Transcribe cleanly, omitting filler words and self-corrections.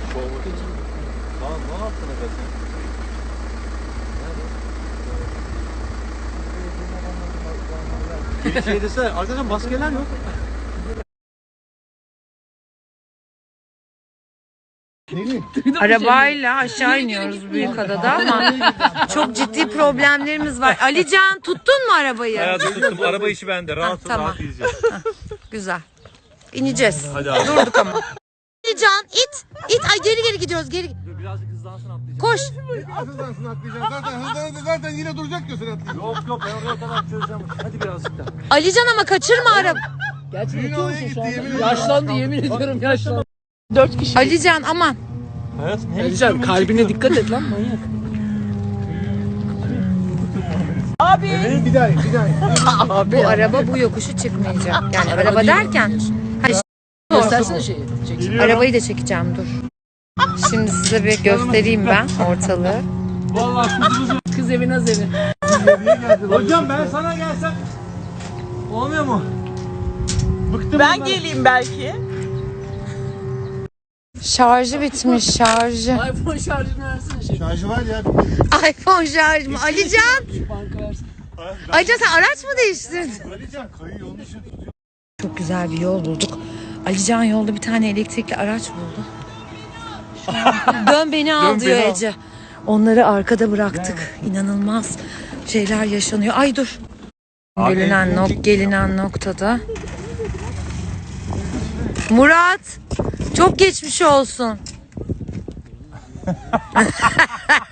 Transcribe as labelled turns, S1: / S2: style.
S1: Tamam, ne yaptın sen? Bir şey desene, arkadaşlar maskeler yok.
S2: Arabayla aşağı iniyoruz Büyükada'da ama çok ciddi problemlerimiz var. Alican tuttun mu arabayı?
S1: Hayatım tuttum. Araba işi bende. Rahat ol,
S2: tamam.
S1: rahat yiyeceğiz.
S2: Güzel. İneceğiz.
S1: Hadi abi.
S2: Durduk ama. Alican it. Ay geri gidiyoruz.
S1: Birazcık hızlansın atlayacağım.
S2: Koş.
S3: Hızlansın atlayacağım. Zaten yine duracak ki sen atlayacağım.
S1: Yok ben oraya kadar çözeceğim. Hadi birazcık daha.
S2: Alican ama kaçırma araba.
S3: Düğün oraya gitti yemin ederim.
S4: Yaşlandı, yemin ediyorum yaşlandı. 4 kişi.
S2: Alican aman.
S1: Hayatım ne?
S4: Alican kalbine dikkat et lan manyak.
S3: Bir daha.
S2: Bu araba bu yokuşu çıkmayacak. Yani araba derken. Hani
S4: Göstersene şeyi. Çek.
S2: arabayı da çekeceğim dur. Şimdi size bir göstereyim ben ortalığı.
S4: Kız evi naz evi.
S1: Hocam ben sana gelsem olmuyor mu? Bıktım
S5: Ben geleyim belki.
S2: Şarjı bitmiş şarjı.
S4: iPhone şarjını versene şey.
S3: Şarjı var ya.
S2: iPhone şarj mı? Alican.
S4: Banka versin.
S2: Alican sen araç mı değiştirdin?
S3: Alican kayıyor onun için tutuyor.
S2: Çok güzel bir yol bulduk. Alican yolda bir tane elektrikli araç buldu. Dön beni al diyor Ece. Onları arkada bıraktık. İnanılmaz şeyler yaşanıyor. Ay dur. Gelinen noktada. Murat, çok geçmiş olsun.